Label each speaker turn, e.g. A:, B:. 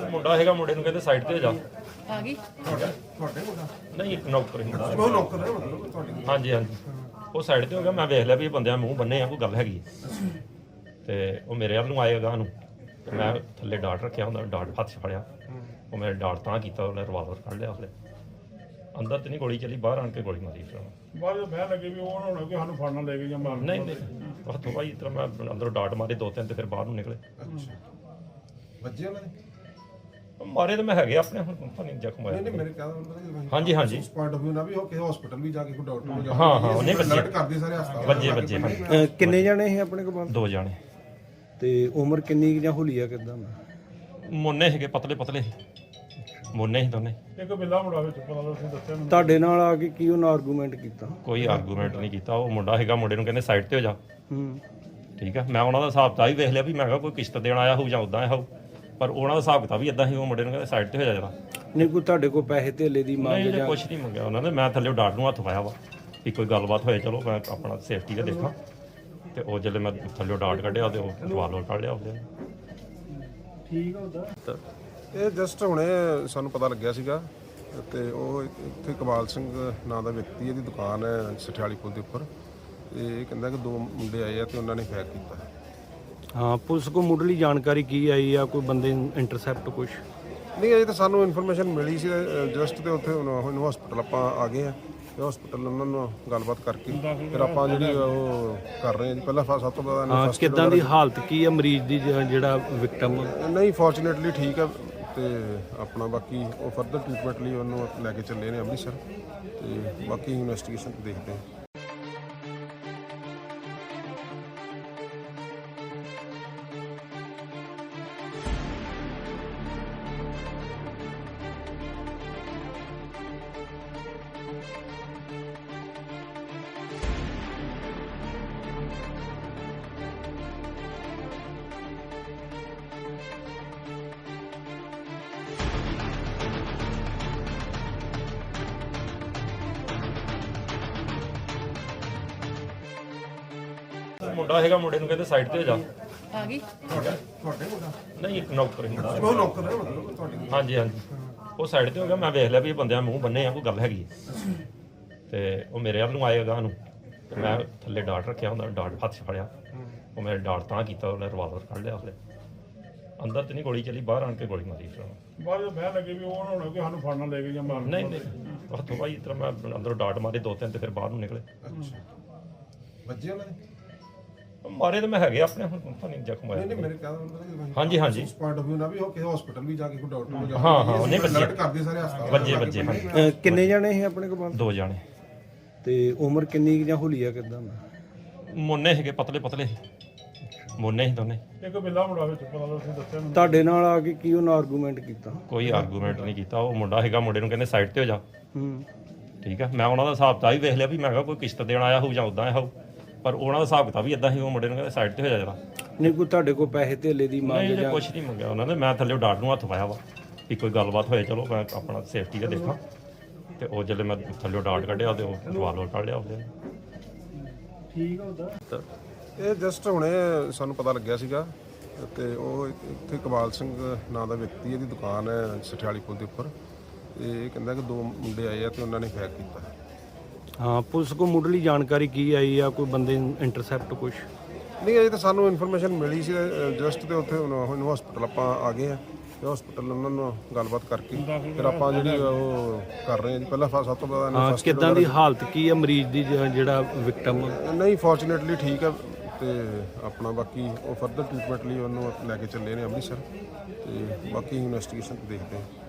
A: ਮੁੰਡਾ ਹੈਗਾ, ਮੁੰਡੇ ਨੂੰ ਕਹਿੰਦੇ ਸਾਈਡ ਤੇ ਹੋ ਜਾ।
B: ਆ ਗਈ
C: ਤੁਹਾਡੇ ਮੁੰਡਾ
A: ਨਹੀਂ, ਇੱਕ ਨੌਕਰ ਹੀ ਹੁੰਦਾ।
C: ਉਹ ਨੌਕਰ ਹੈ ਮਤਲਬ ਤੁਹਾਡੀ।
A: ਹਾਂਜੀ ਹਾਂਜੀ, ਉਹ ਸਾਈਡ ਤੇ ਹੋ ਗਿਆ। ਮੈਂ ਵੇਖ ਲਿਆ ਵੀ ਇਹ ਬੰਦਿਆਂ ਮੂੰਹ ਬੰਨੇ ਆ, ਕੋਈ ਗੱਲ ਹੈਗੀ ਹੈ। ਤੇ ਉਹ ਮੇਰੇ ਵੱਲ ਨੂੰ ਆਏ ਅਗਾਂਹ ਨੂੰ, ਤੇ ਮੈਂ ਥੱਲੇ ਡਾਟ ਰੱਖਿਆ ਹੁੰਦਾ, ਡਾਟ ਹੱਥ 'ਚ ਫੜਿਆ। ਉਹ ਮੇਰੇ ਡਾਟ ਤਾਂ ਕੀਤਾ, ਉਹਨੇ ਰਿਵਾਲਵਰ ਕੱਢ ਲਿਆ। ਉਸਲੇ ਅੰਦਰ ਤੇ ਨਹੀਂ ਗੋਲੀ ਚੱਲੀ, ਬਾਹਰ ਆਣ ਕੇ ਗੋਲੀ ਮਾਰੀ ਫਿਰ।
D: ਬਾਅਦ ਵਿੱਚ ਬਹਿ ਲੱਗੇ ਵੀ ਉਹ ਨਾ ਹੋਣਾ ਕਿ ਸਾਨੂੰ ਫੜਨਾ ਲੈ ਕੇ ਜਾਂ ਮਾਰਨ।
A: ਨਹੀਂ ਨਹੀਂ, ਉਹ ਤੋਂ ਬਾਅਦ ਇਸ ਤਰ੍ਹਾਂ ਮੈਂ ਅੰਦਰੋਂ ਡਾਟ ਮਾਰੇ ਦੋ ਤਿੰਨ, ਤੇ ਫਿਰ ਬਾਹਰ ਨੂੰ ਨਿਕਲੇ।
C: ਅੱਛਾ, ਵੱਜੇ ਉਹਨਾਂ ਨੇ?
A: ਮਾਰੇ ਤਾਂ ਮੈਂ ਹੈਗੇ ਆਪਣੇ, ਹੁਣ ਪਤਾ ਨਹੀਂ ਜ਼ਖਮ ਹੋਇਆ।
C: ਨਹੀਂ ਮੇਰੇ ਕਹਿੰਦਾ
A: ਹਾਂਜੀ ਹਾਂਜੀ,
C: ਉਸ ਪੁਆਇੰਟ ਆਫ View ਨਾ ਵੀ ਉਹ ਕਿਸੇ ਹਸਪੀਟਲ ਵੀ ਜਾ ਕੇ ਕੋਈ ਡਾਕਟਰ ਨੂੰ ਜਾ ਕੇ
A: ਹਾਂ ਹਾਂ, ਉਹਨੇ
C: ਅਲਰਟ ਕਰਦੇ ਸਾਰੇ ਹਸਪਤਾਲ
A: ਵੱਜੇ ਹਾਂਜੀ।
E: ਕਿੰਨੇ ਜਾਣੇ ਸੀ ਆਪਣੇ ਕੋਲ?
A: ਦੋ ਜਾਣੇ।
E: ਤੇ ਉਮਰ ਕਿੰਨੀ ਕੁ ਜਾਂ ਹੁਲੀਆ ਕਿਦਾਂ?
A: ਮੁੰਨੇ ਸੀਗੇ, ਪਤਲੇ ਪਤਲੇ ਮੁੰਨੇ ਸੀ ਦੋਨੇ।
D: ਇੱਕ ਬਿੱਲਾ ਮੁੰਡਾ ਵਿੱਚ ਪਤਾ ਲੱਗ ਤੁਸੀਂ ਦੱਸਿਆ ਮੈਨੂੰ।
E: ਤੁਹਾਡੇ ਨਾਲ ਆ ਕੇ ਕੀ ਉਹਨਾਂ ਆਰਗੂਮੈਂਟ ਕੀਤਾ?
A: ਕੋਈ ਆਰਗੂਮੈਂਟ ਨਹੀਂ ਕੀਤਾ। ਉਹ ਮੁੰਡਾ ਹੈਗਾ, ਮੁੰਡੇ ਨੂੰ ਕਹਿੰਦੇ ਸਾਈਡ ਤੇ ਹੋ ਜਾ।
E: ਹੂੰ,
A: ਠੀਕ ਆ, ਮੈਂ ਉਹਨਾਂ ਦਾ ਹਿਸਾਬ ਤਾਂ ਹੀ ਵੇਖ ਲਿਆ ਵੀ ਮੈਂ ਕਿਹਾ ਕੋਈ ਕਿਸ਼ਤ ਦੇਣ ਆਇਆ ਹੋਊ ਜਾਂ ਉਦਾਂ ਆਇਆ ਹੋਊ, ਪਰ ਉਹਨਾਂ ਦਾ ਹਿਸਾਬ ਕਿਤਾਬ ਵੀ ਇਦਾਂ ਸੀ। ਉਹ ਮੁੰਡੇ ਨੂੰ ਕਹਿੰਦੇ ਸਾਈਡ ਤੇ ਹੋ ਜਾ ਜਰਾ।
E: ਨਹੀਂ ਕੋਈ ਤੁਹਾਡੇ ਕੋਲ ਪੈਸੇ ਧੇਲੇ ਦੀ ਮੰਗ
A: ਨਹੀਂ,
E: ਜਾਂ?
A: ਕੁਛ ਨਹੀਂ ਮੰਗਿਆ ਉਹਨਾਂ ਨੇ। ਮੈਂ ਥੱਲੇ ਡਾਟ ਨੂੰ ਹੱਥ ਪਾਇਆ ਵਾ ਵੀ ਕੋਈ ਗੱਲਬਾਤ ਹੋਏ, ਚਲੋ ਮੈਂ ਆਪਣਾ ਸੇਫਟੀ ਦਾ ਦੇਖਾਂ। ਤੇ ਉਹ ਜਦੋਂ ਮੈਂ ਥੱਲੇ ਡਾਟ ਕੱਢਿਆ ਤੇ ਉਹ ਰਿਵਾਲਵਰ ਕੱਢ ਲਿਆ ਉਹਦੇ।
D: ਠੀਕ ਆ ਉਹਦਾ।
C: ਇਹ ਜਸਟ ਹੁਣੇ ਸਾਨੂੰ ਪਤਾ ਲੱਗਿਆ ਸੀਗਾ, ਤੇ ਉਹ ਇੱਥੇ ਕਮਾਲ ਸਿੰਘ ਨਾਂ ਦਾ ਵਿਅਕਤੀ, ਇਹਦੀ ਦੁਕਾਨ ਹੈ ਸਠਿਆਲੀ ਪੁਲ ਦੇ ਉੱਪਰ। ਇਹ ਕਹਿੰਦਾ ਕਿ ਦੋ ਮੁੰਡੇ ਆਏ ਆ ਤੇ ਉਹਨਾਂ ਨੇ ਫਾਇਰ ਕੀਤਾ।
E: ਹਾਂ, ਪੁਲਿਸ ਕੋ ਮੁੱਢਲੀ ਜਾਣਕਾਰੀ ਕੀ ਆਈ ਆ? ਕੋਈ ਬੰਦੇ ਇੰਟਰਸੈਪਟ ਕੁਛ?
C: ਨਹੀਂ, ਅਜੇ ਤਾਂ ਸਾਨੂੰ ਇਨਫੋਰਮੇਸ਼ਨ ਮਿਲੀ ਸੀ ਜਸਟ, ਤੇ ਉੱਥੇ ਹੁਣ ਹਸਪੀਟਲ ਆਪਾਂ ਆ ਗਏ ਆ। ਤੇ ਹਸਪੀਟਲ ਉਹਨਾਂ ਨੂੰ ਗੱਲਬਾਤ ਕਰਕੇ ਫਿਰ ਆਪਾਂ ਜਿਹੜੀ ਉਹ ਕਰ ਰਹੇ ਹਾਂ ਜੀ। ਪਹਿਲਾਂ ਸਭ ਤੋਂ ਪਹਿਲਾਂ
E: ਹਾਂ, ਕਿੱਦਾਂ ਦੀ ਹਾਲਤ ਕੀ ਆ ਮਰੀਜ਼ ਦੀ, ਜਿਹੜਾ ਵਿਕਟਮ?
C: ਨਹੀਂ, ਫੋਰਚੂਨੇਟਲੀ ਠੀਕ ਹੈ। ਤੇ ਆਪਣਾ ਬਾਕੀ ਉਹ ਫਰਦਰ ਟ੍ਰੀਟਮੈਂਟ ਲਈ ਉਹਨੂੰ ਲੈ ਕੇ ਚੱਲੇ ਨੇ ਅੰਮ੍ਰਿਤਸਰ, ਤੇ ਬਾਕੀ ਇਨਵੈਸਟੀਗੇਸ਼ਨ ਦੇਖਦੇ ਹਾਂ।
A: ਮੁੰਡਾ ਹੈਗਾ, ਮੁੰਡੇ ਨੂੰ ਕਹਿੰਦੇ ਸਾਈਡ ਤੇ ਹੋ ਜਾ।
B: ਆ ਗਈ
C: ਤੁਹਾਡੇ ਮੁੰਡਾ?
A: ਨਹੀਂ, ਇੱਕ ਨੌਕਰ ਹੀ ਹੁੰਦਾ।
C: ਉਹ ਨੌਕਰ ਹੈ ਮਤਲਬ ਤੁਹਾਡੀ।
A: ਹਾਂਜੀ ਹਾਂਜੀ, ਉਹ ਸਾਈਡ ਤੇ ਹੋ ਗਿਆ। ਮੈਂ ਵੇਖ ਲਿਆ ਵੀ ਇਹ ਬੰਦਿਆਂ ਮੂੰਹ ਬੰਨੇ ਆ, ਕੋਈ ਗੱਲ ਹੈਗੀ ਹੈ। ਤੇ ਉਹ ਮੇਰੇ ਵੱਲ ਨੂੰ ਆਏ ਅਗਾਂਹ ਨੂੰ, ਤੇ ਮੈਂ ਥੱਲੇ ਡਾਟ ਰੱਖਿਆ ਹੁੰਦਾ, ਡਾਟ ਹੱਥ 'ਚ ਫੜਿਆ। ਉਹ ਮੇਰੇ ਡਾਟ ਤਾਂ ਕੀਤਾ, ਉਹਨੇ ਰਿਵਾਲਵਰ ਕੱਢ ਲਿਆ। ਉਸਲੇ ਅੰਦਰ ਤੇ ਨਹੀਂ ਗੋਲੀ ਚੱਲੀ, ਬਾਹਰ ਆਣ ਕੇ ਗੋਲੀ ਮਾਰੀ ਫਿਰ।
D: ਬਾਅਦ ਵਿੱਚ ਬਹਿ ਲੱਗੇ ਵੀ ਉਹ ਨਾ ਹੋਣਾ ਕਿ ਸਾਨੂੰ ਫੜਨਾ ਲੈ ਕੇ ਜਾਂ ਮਾਰਨ।
A: ਨਹੀਂ ਨਹੀਂ, ਉਹ ਤੋਂ ਬਾਅਦ ਇਸ ਤਰ੍ਹਾਂ ਮੈਂ ਅੰਦਰੋਂ ਡਾਟ ਮਾਰੇ ਦੋ ਤਿੰਨ, ਤੇ ਫਿਰ ਬਾਹਰ ਨੂੰ ਨਿਕਲੇ।
C: ਅੱਛਾ, ਵੱਜੇ ਉਹਨਾਂ ਨੇ?
A: ਮਾਰੇ ਤਾਂ ਮੈਂ ਹੈਗੇ ਆਪਣੇ, ਹੁਣ ਪਤਾ ਨਹੀਂ ਜ਼ਖਮ ਹੋਇਆ।
C: ਨਹੀਂ ਮੇਰੇ ਕਹਿੰਦਾ
A: ਹਾਂਜੀ ਹਾਂਜੀ,
C: ਉਸ ਪੁਆਇੰਟ ਆਫ View ਨਾ ਵੀ ਉਹ ਕਿਸੇ ਹਸਪੀਟਲ ਵੀ ਜਾ ਕੇ ਕੋਈ ਡਾਕਟਰ ਨੂੰ ਜਾ ਕੇ
A: ਹਾਂ ਹਾਂ, ਉਹਨੇ
C: ਅਲਰਟ ਕਰਦੇ ਸਾਰੇ ਹਸਪਤਾਲ
A: ਵੱਜੇ ਹਾਂਜੀ।
E: ਕਿੰਨੇ ਜਾਣੇ ਸੀ ਆਪਣੇ ਕੋਲ?
A: ਦੋ ਜਾਣੇ।
E: ਤੇ ਉਮਰ ਕਿੰਨੀ ਕੁ ਜਾਂ ਹੁਲੀਆ ਕਿਦਾਂ?
A: ਮੁੰਨੇ ਸੀਗੇ, ਪਤਲੇ ਪਤਲੇ ਮੁੰਨੇ ਸੀ ਦੋਨੇ।
D: ਇੱਕ ਬਿੱਲਾ ਮੁੰਡਾ ਵਿੱਚ ਪਤਾ ਲੱਗ ਤੁਸੀਂ ਦੱਸਿਆ ਮੈਨੂੰ।
E: ਤੁਹਾਡੇ ਨਾਲ ਆ ਕੇ ਕੀ ਉਹਨਾਂ ਆਰਗੂਮੈਂਟ ਕੀਤਾ?
A: ਕੋਈ ਆਰਗੂਮੈਂਟ ਨਹੀਂ ਕੀਤਾ। ਉਹ ਮੁੰਡਾ ਹੈਗਾ, ਮੁੰਡੇ ਨੂੰ ਕਹਿੰਦੇ ਸਾਈਡ ਤੇ ਹੋ ਜਾ।
E: ਹੂੰ,
A: ਠੀਕ ਆ, ਮੈਂ ਉਹਨਾਂ ਦਾ ਹਿਸਾਬ ਤਾਂ ਹੀ ਵੇਖ ਲਿਆ ਵੀ ਮੈਂ ਕਿਹਾ ਕੋਈ ਕਿਸ਼ਤ ਦੇਣ ਆਇਆ ਹੋਊ ਜਾਂ ਉਦਾਂ ਆਇਆ ਹੋਊ, ਪਰ ਉਹਨਾਂ ਦਾ ਹਿਸਾਬ ਕਿਤਾਬ ਵੀ ਇਦਾਂ ਸੀ। ਉਹ ਮੁੰਡੇ ਨੂੰ ਕਹਿੰਦੇ ਸਾਈਡ ਤੇ ਹੋ ਜਾ ਜਰਾ।
E: ਨਹੀਂ ਕੋਈ ਤੁਹਾਡੇ ਕੋਲ ਪੈਸੇ ਧੇਲੇ ਦੀ ਮੰਗ
A: ਨਹੀਂ,
E: ਜਾਂ?
A: ਕੁਛ ਨਹੀਂ ਮੰਗਿਆ ਉਹਨਾਂ ਨੇ। ਮੈਂ ਥੱਲੇ ਡਾਟ ਨੂੰ ਹੱਥ ਪਾਇਆ ਵਾ ਵੀ ਕੋਈ ਗੱਲਬਾਤ ਹੋਏ, ਚਲੋ ਮੈਂ ਆਪਣਾ ਸੇਫਟੀ ਦਾ ਦੇਖਾਂ। ਤੇ ਉਹ ਜਦੋਂ ਮੈਂ ਥੱਲੇ ਡਾਟ ਕੱਢਿਆ ਤੇ ਉਹ ਰਿਵਾਲਵਰ ਕੱਢ ਲਿਆ ਉਹਦੇ।
D: ਠੀਕ ਆ ਉਹਦਾ।
C: ਇਹ ਜਸਟ ਹੁਣੇ ਸਾਨੂੰ ਪਤਾ ਲੱਗਿਆ ਸੀਗਾ, ਤੇ ਉਹ ਇੱਥੇ ਕਮਾਲ ਸਿੰਘ ਨਾਂ ਦਾ ਵਿਅਕਤੀ, ਇਹਦੀ ਦੁਕਾਨ ਹੈ ਸਠਿਆਲੀ ਪੁਲ ਦੇ ਉੱਪਰ। ਇਹ ਕਹਿੰਦਾ ਕਿ ਦੋ ਮੁੰਡੇ ਆਏ ਆ ਤੇ ਉਹਨਾਂ ਨੇ ਫਾਇਰ ਕੀਤਾ।
E: ਹਾਂ, ਪੁਲਿਸ ਕੋ ਮੁੱਢਲੀ ਜਾਣਕਾਰੀ ਕੀ ਆਈ ਆ? ਕੋਈ ਬੰਦੇ ਇੰਟਰਸੈਪਟ ਕੁਛ?
C: ਨਹੀਂ, ਅਜੇ ਤਾਂ ਸਾਨੂੰ ਇਨਫੋਰਮੇਸ਼ਨ ਮਿਲੀ ਸੀ ਜਸਟ, ਤੇ ਉੱਥੇ ਹੁਣ ਹਸਪੀਟਲ ਆਪਾਂ ਆ ਗਏ ਆ। ਤੇ ਹਸਪੀਟਲ ਉਹਨਾਂ ਨੂੰ ਗੱਲਬਾਤ ਕਰਕੇ ਫਿਰ ਆਪਾਂ ਜਿਹੜੀ ਉਹ ਕਰ ਰਹੇ ਹਾਂ ਜੀ। ਪਹਿਲਾਂ ਸਭ ਤੋਂ ਪਹਿਲਾਂ
E: ਹਾਂ, ਕਿੱਦਾਂ ਦੀ ਹਾਲਤ ਕੀ ਆ ਮਰੀਜ਼ ਦੀ, ਜਿਹੜਾ ਵਿਕਟਮ?
C: ਨਹੀਂ, ਫੋਰਚੂਨੇਟਲੀ ਠੀਕ ਹੈ। ਤੇ ਆਪਣਾ ਬਾਕੀ ਉਹ ਫਰਦਰ ਟ੍ਰੀਟਮੈਂਟ ਲਈ ਉਹਨੂੰ ਲੈ ਕੇ ਚੱਲੇ ਨੇ ਅੰਮ੍ਰਿਤਸਰ, ਤੇ ਬਾਕੀ ਇਨਵੈਸਟੀਗੇਸ਼ਨ ਦੇਖਦੇ ਹਾਂ।